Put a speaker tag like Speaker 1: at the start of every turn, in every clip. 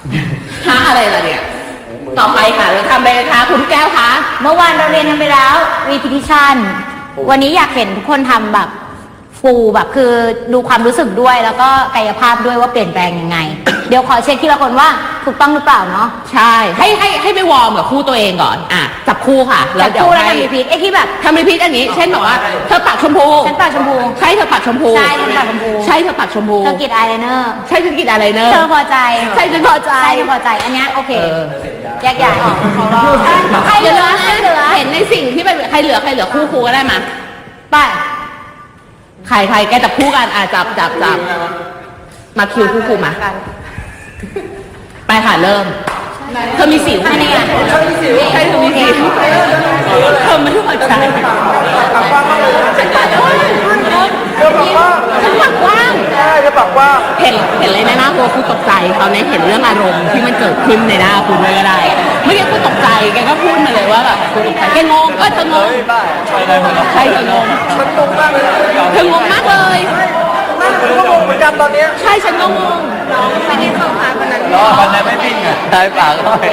Speaker 1: ท่าอะไรล่ะเนี่ยต่อไปค่ะเราทำไปเลยค่ะคุณแก้วคะ
Speaker 2: เมื่อวานเราเรียนกันไปแล้ว repetition วันนี้อยากเห็นทุกคนทำแบบฟูลแบบคือดูความรู้สึกด้วยแล้วก็กายภาพด้วยว่าเปลี่ยนแปลงยังไง เดี๋ยวขอเช็คทีละคนว่าถูกต้องหรือเปล่าเนาะ
Speaker 1: ใช่ให้ไปวอร์มกับคู่ตัวเองก่อนจับคู่ค่ะ
Speaker 2: แล้วเดี๋ยวให้ทำรีพีทไอ้ที่แบบ
Speaker 1: ทำรีพีทอันนี้เช่นบอกว่าเธอปากชมพู
Speaker 2: ฉันปากชมพู
Speaker 1: ใช่เธอปากชมพู
Speaker 2: ใช่ฉันปากชมพู
Speaker 1: ใช่เธอปากชมพู
Speaker 2: เธอกรีดอายไลเนอร์
Speaker 1: ใช่ฉันกรีดอายไลเนอร์
Speaker 2: เธอพอใจ
Speaker 1: ใช่ฉันพอใจ
Speaker 2: ใช่ฉันพอใจอันนี้โอเคแยกย้ายออกใครเหลือ
Speaker 1: เห็นในสิ่งที่เป็นใครเหลือคู่ก็ได้มา
Speaker 2: ไป
Speaker 1: ใครแกจับคู่กันจับมาคิวคู่มาไปค่ะเริ่มเธอมีสิวใช่ไหมเธอมีสิวใช่เธอมีสิวเธอไม่รู้หัวใจฉันปากกว้าง
Speaker 3: ใช่จะปากว่า
Speaker 1: เห็นเลยในหน้าตัวคุณตกใจเขาเนี่ยเห็นเรื่องอารมณ์ที่มันเกิดขึ้นในหน้าคุณเลยก็ได้ไม่ใช่คุณตกใจแกก็พูดมาเลยว่าแบบคุณตกใจแกงงเธองงใช่เธองง
Speaker 3: ฉันงงมากเลย
Speaker 1: เธองงมากเลย
Speaker 3: ฉันก็งงเหมือนกันตอนนี้
Speaker 1: ใช่ฉันก็งงไม่ได้เข้าพาคนนั้น
Speaker 3: คนนั้นไม่ปิ้งอ่ะนายปากเขา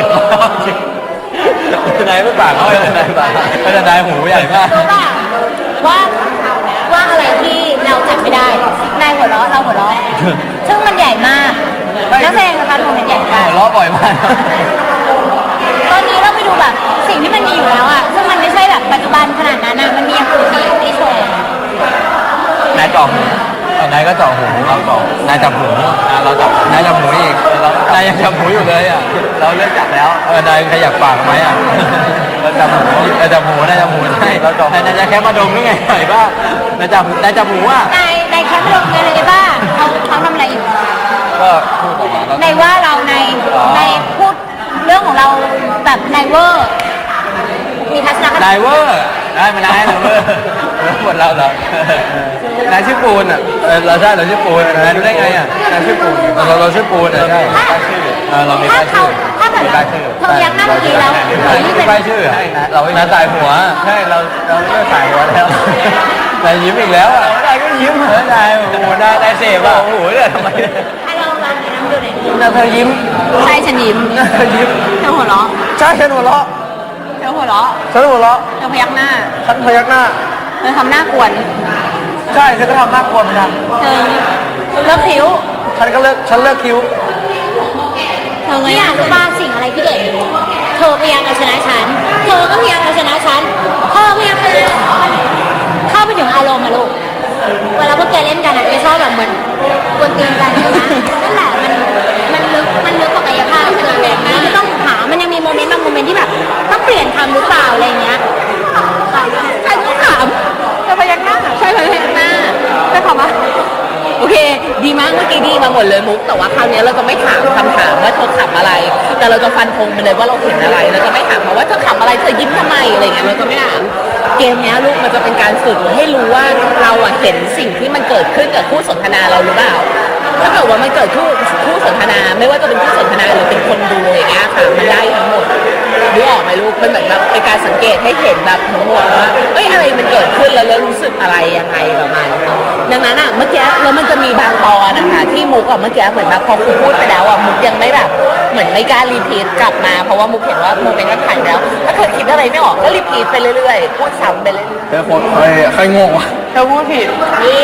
Speaker 3: นายไม่ปากเขานายปากเขาจะนายหูใหญ่มาก
Speaker 2: รู้ป่ะว่าอะไรที่เราจับไม่ได้นายหัวเราะเราหัวเราะซึ่งมันใหญ่มากนักแสดงนะคะโมเมนต์ใหญ่มาก
Speaker 3: หัวเราะบ่อยมาก
Speaker 2: ตอนนี้เราไปดูแบบสิ่งที่มันมีอยู่แล้วอ่ะซึ่งมันไม่ใช่แบบปัจจุบันขนาดนั้นนะมันมีอย่างอื่นที่โชว์
Speaker 3: นายจ่อหูนายก็จ่อหูเราจ่อนายจับหูเราจับนายจับหูอีกนายยังจับหูอยู่เลยอ่ะเราเลิกจับแล้วนายขยับปากไหมอ่ะเราจับหูนายจับหูใช่เราจ่อนายจะแค่มาดมหรือไงไหนบ้างนายจับหูอ่ะ
Speaker 2: นายแค่มาดมไงเลยบ้าเขาทำอะไรอยู่
Speaker 3: ก็พูดออกมา
Speaker 2: ในว่าเราในพูดเรื่องของเราแบบนายเวอร์มีทัศนคติ
Speaker 3: นายเวอร์ได้มานายเวอร์หมดเราเหรอนายชื่อปูนอ่ะเราใช่เราชื่อปูนนายรู้ได้ไงอ่ะนายชื่อปูนเราชื่อปูนอ่ะใช่เรามีป้ายชื่อ
Speaker 2: ถ้าเกิดเธอยักหน้าเมื่อกี้แล้ว
Speaker 3: มีป้ายชื่อเราไม่สายหัวใช่เราไม่สายหัวแล้วนายยิ้มอีกแล้วอ่ะนายก็ยิ้มเหรอนายโอ้โหนายเสพอ่ะโอ้โหเนี่ยทำไม
Speaker 2: ให้เราลองดูน้ำดูหน่อย
Speaker 3: เธอยิ้ม
Speaker 1: ใช่ฉันยิ้ม
Speaker 3: เธอยิ้ม
Speaker 1: เธอหัวเราะ
Speaker 3: ใช่ฉันหัวเราะ
Speaker 1: เธอหัวเราะ
Speaker 3: ฉันหัวเราะ
Speaker 1: เธอพยักหน้า
Speaker 3: ฉันพยักหน้า
Speaker 1: เธอทำหน้ากวน
Speaker 3: ใช่ฉันก็ทำหน้ากวนเหมือนกัน
Speaker 1: เธอเลิกคิ้ว
Speaker 3: ฉันเลิกคิ้ว
Speaker 2: เธอเนี่ยรู้ป่ะสิ่งอะไรที่เด็ดเธอพยายามเอาชนะฉันเธอก็พยายามเอาชนะฉันเธอพยายามเข้าไปถึงอารมณ์อะลูกเวลาพวกแกเล่นกันอะแกชอบแบบเหมือนกวนตีนกันใช่ไหมนั่นแหละมันลึกกว่ากายภาพคือแบบนี้ไม่ต้องหามันยังมีโมเมนต์บางโมเมนต์ที่แบบต้องเปลี่ยนคำหรือเปล่าอะไรเงี้ย
Speaker 1: ใช่ต้องถามเธอพยักหน้าใช่พยักหน้าใช่คำว่าโอเคดีมากเมื่อกี้ดีมาหมดเลยมุกแต่ว่าคราวนี้เราจะไม่ถามคำถามว่าเธอขำอะไรแต่เราจะฟันธงไปเลยว่าเราเห็นอะไรเราจะไม่ถามเพราะว่าเธอขำอะไรเธอยิ้มทำไมอะไรเงี้ยเราจะไม่ถามเกมนี้ลูกมันจะเป็นการฝึกให้รู้ว่าเราเห็นสิ่งที่มันเกิดขึ้นกับคู่สนทนาเราหรือเปล่าถ้าเกิดว่ามันเกิดคู่สนทนาไม่ว่าจะเป็นคู่สนทนาหรือเป็นคนดูอย่างเงี้ยค่ะมันได้ทั้งหมดรู้ออกไหมลูกมันเหมือนแบบเป็นการสังเกตให้เห็นแบบทั้งหมดว่าอะไรมันเกิดขึ้นแล้วรู้สึกอะไรยังไงประมาณดังนั้นเมื่อกี้แล้วมันจะมีบางตอนนะคะที่มุกเมื่อกี้เหมือนแบบพอคุณพูดไปแล้วมุกยังไม่แบบเหมือนไม่กล้ารีพีทกลับมาเพราะว่ามุกเห็นว่าโมเมนต์มันผ่านแล้วถ้าเธอคิดอะไรไม่ออกก็รีพีทไปเรื่อยๆพูดซ้ำไปเรื่อยๆ
Speaker 3: เธอคนใครงงวะ
Speaker 1: เธอพูดผิดนี่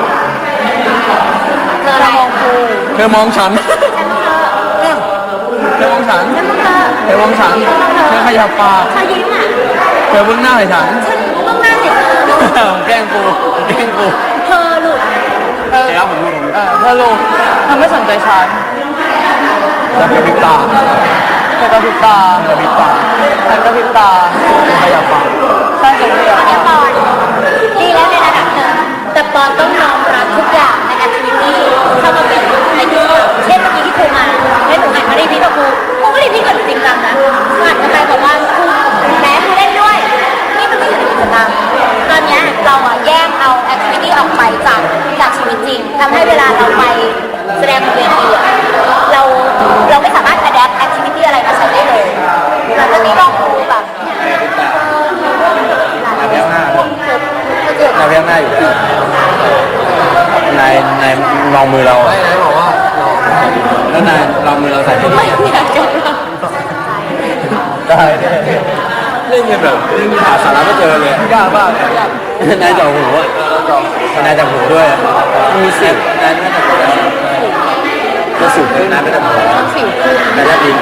Speaker 1: เธอมองกู
Speaker 3: เธอมองฉันเธอมองฉันเธอมองฉันเธอขยับปาก
Speaker 2: เธอยิ้มอ่ะ
Speaker 3: เธอเบื้องหน้าให้ฉัน
Speaker 2: เบื้องหน้าเห็น
Speaker 3: แกล้งกู
Speaker 2: เธอหลุด
Speaker 3: เธอหลุด
Speaker 1: เธอไม่สนใจฉัน
Speaker 3: เธอกระพริบตา
Speaker 1: เธอกระพริบตา
Speaker 3: ฉันกระพริบตาขยับปาก
Speaker 1: ใช่ขยับปาก
Speaker 2: ปอนดีแล้วในระดับเธอแต่ปอนต้องยอมรับทุกอย่างในแอคทิวิตี้เข้ามาเป็นในกิจกรรมเช่นเมื่อกี้ที่ครูมาให้หนูหันมารีพีทกับครูก็รีพีทกับจริงจังนะหันกันไปบอกว่าครูแม้ครูเล่นด้วยนี่มันไม่อยู่ในกิจกรรมตอนนี้เราแยกเอาแอคทิวิตี้ออกไปจากชีวิตจริงทำให้เวลาเราไปแสดงบนเวทีเราไม่สามารถอัดแอปแอคทิวิตี้อะไรมาใช้ได้เลยเราจะนี่ลองดูแบบ
Speaker 3: นายเพียงหน้าอยู่แล้วนายมองมือเรานายบอกว่าแล้วนายอเราใส่ไม่
Speaker 1: ไม่
Speaker 3: ดี
Speaker 1: อยากจะ
Speaker 3: ได้เล่นกันแบบเล่นหาสาระไม่เจอเลยยากมากนายจ่อหูอ่ะนายจ่อหูด้วยมีสิบนายน่าจะหูแล้วจะสูบนายไม่ได้หู
Speaker 1: สิวคือน
Speaker 3: ายได้ดิน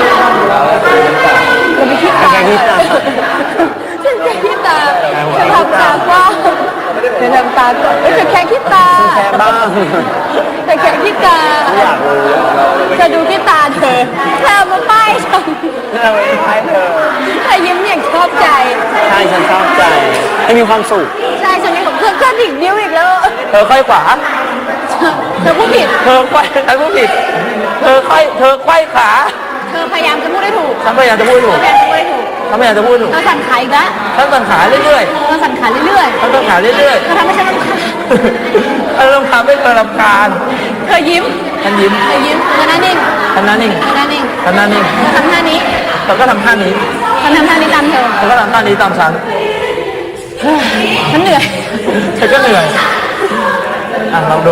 Speaker 1: เราไม่คิดตา
Speaker 3: แค่ที่ตา
Speaker 1: ฉันแค่คิดตาฉันทำตากว้างฉันทำตากว้างเธอแค่คิดตา
Speaker 3: แค่บ้าง
Speaker 1: เธอแค่คิดตา
Speaker 3: อยากรู้
Speaker 1: เธอดูที่ตาเธอเธอมาป้ายฉัน
Speaker 3: เราไม่ใช่เธอ
Speaker 1: เธอยิ้มอย่างชอบใจ
Speaker 3: ใช่ฉันชอบใจให้มีความสุข
Speaker 1: ใช่ฉันนี่ของเพื่อนดิกนิ้วอีกแล้ว
Speaker 3: เธอค่อยขวา
Speaker 1: เธอพูดผิด
Speaker 3: เธอไขว้ฉันพูดผิด เธอไขว้ขา
Speaker 1: เธอพยายามจะพูดให้ถูก
Speaker 3: ฉันพยายามจะพูดถูก
Speaker 1: พยายามจะพูดให้ถูก
Speaker 3: ฉันพยายามจะพูดถูก
Speaker 1: เธอสั่นขาอีกแล้ว
Speaker 3: ฉันสั่นขาเรื่อย
Speaker 1: เธอสั่นขาเรื่อย
Speaker 3: ๆฉันสั่นขาเรื่อย
Speaker 1: ๆเธอทำให้ฉันรำคาญ
Speaker 3: ๆฉันเริ่มทำให้เธอรำคาญ
Speaker 1: เธอยิ้ม
Speaker 3: ฉันยิ้ม
Speaker 1: เธอยิ้มเธอหน้านิ่ง
Speaker 3: ฉันหน้านิ่ง
Speaker 1: เธอหน้านิ่ง
Speaker 3: ฉันหน้านิ่ง
Speaker 1: เธอทำท่านี้
Speaker 3: เธอก็ทำท่านี้
Speaker 1: ฉันทำท่านี้ตามเธอ
Speaker 3: เธอก็ทำท่านี้ตามฉัน
Speaker 1: ฉันเหนื่อย
Speaker 3: เธอก็เหนื่อย อ่ะลองดู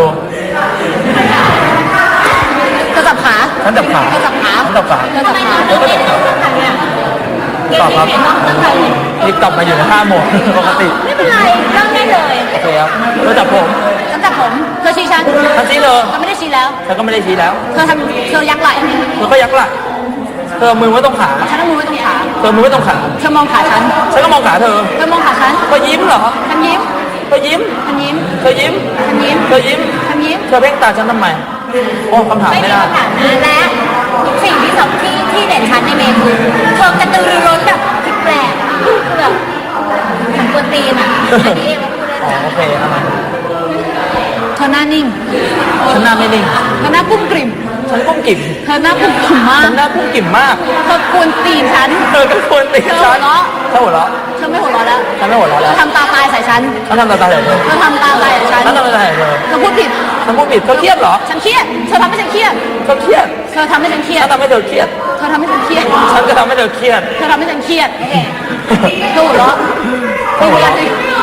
Speaker 1: เธอจับขา
Speaker 3: ฉันจับขา
Speaker 1: เธอจับขา
Speaker 3: ฉันจับขา
Speaker 1: เธอจับขา
Speaker 3: เธอก็จับขาตอบครับนี่กลับมาอยู่ในท่าหมดปกติ
Speaker 1: ไม่เป็นไรนั่งได้เลย
Speaker 3: โอเคครับเธอจับผม
Speaker 1: ฉันจับผมเธอชี้ฉัน
Speaker 3: ฉันชี้เลย
Speaker 1: เธอไม่ได้ชี้แล้ว
Speaker 3: ฉันก็ไม่ได้ชี้แล้ว
Speaker 1: เธอยักไหล่
Speaker 3: เธอก็ยักไหล่เธอเอามือไว้ตรงขา
Speaker 1: ฉันเอามือไว้ตรงขา
Speaker 3: เธอมือไว้ตรงขา
Speaker 1: เธอมองขาฉัน
Speaker 3: ฉันก็มองขาเธอ
Speaker 1: เธอมองขาฉัน
Speaker 3: เธอยิ้มเหรอ
Speaker 1: ฉันยิ้ม
Speaker 3: เธอยิ้ม
Speaker 1: ฉันยิ้ม
Speaker 3: เธอยิ้ม
Speaker 1: ฉันยิ้ม
Speaker 3: เธอยิ้ม
Speaker 1: ฉันยิ้ม
Speaker 3: เธอเพ่งตาฉันทำไม โอ้คำถาม
Speaker 2: ไม่
Speaker 3: ไม่
Speaker 2: มี
Speaker 3: ได้
Speaker 2: คำถามนะและสิ่งที่สองที่เด่นชัดในเมย์คือเธอกระตือรือร้นแบบผิดแปลกอะคือแบบเหมือนกวนตีนอ่ะอันนี้เองว่าพูดได้
Speaker 3: อ๋อ
Speaker 2: เลย
Speaker 3: โอเคเอามา
Speaker 1: เธอหน้านิ่ง
Speaker 3: ฉันหน้าไม่นิ่ง
Speaker 1: เธอหน้ากุ้มกริ่ม
Speaker 3: ฉันก้มกิ่ม
Speaker 1: เธอหน้ากุ้มกริ่มมาก
Speaker 3: ฉันหน้ากุ้มกิ่มมาก
Speaker 1: เธอกวนตีนฉัน
Speaker 3: เธอก็ควรตี
Speaker 1: เธอ
Speaker 3: ฉั
Speaker 1: หัวน เราะ
Speaker 3: เธอหัวเราะ
Speaker 1: เธอไม่หัวเราะแล้ว
Speaker 3: ฉันไม่หัวเราะ
Speaker 1: เธ
Speaker 3: แล้ว
Speaker 1: อทำตาตายใส่ฉัน
Speaker 3: ฉันทำตาตาใส่เธอ
Speaker 1: เธอทำตาตายใส่ฉัน
Speaker 3: ฉันทำตาตาใส่เธอ
Speaker 1: เธอพูดผิด
Speaker 3: ฉันพูดผิดเธอเครียดเหรอ
Speaker 1: ฉันเครียด เธอทำให้ฉันเครียด
Speaker 3: เธอเครียด
Speaker 1: เธอทำให้ฉันเครีย
Speaker 3: ฉั
Speaker 1: ด
Speaker 3: นทำให้เธอเครียด
Speaker 1: เธอทำให้ฉันเครียด
Speaker 3: ฉันก็ทำให้เธอเครียด
Speaker 1: เธอทำให้ฉันเครียดเธอหัวเราะเธอหัวเราะสิ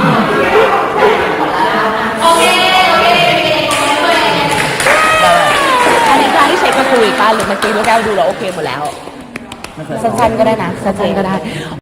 Speaker 1: อันนี้การที่เช็คกระคุยกันหรือเมื่อกี้ลูกแก้วดูแล้วโอเคหมดแล้ว สั้นๆก็ได้นะ สั้นๆก็ได้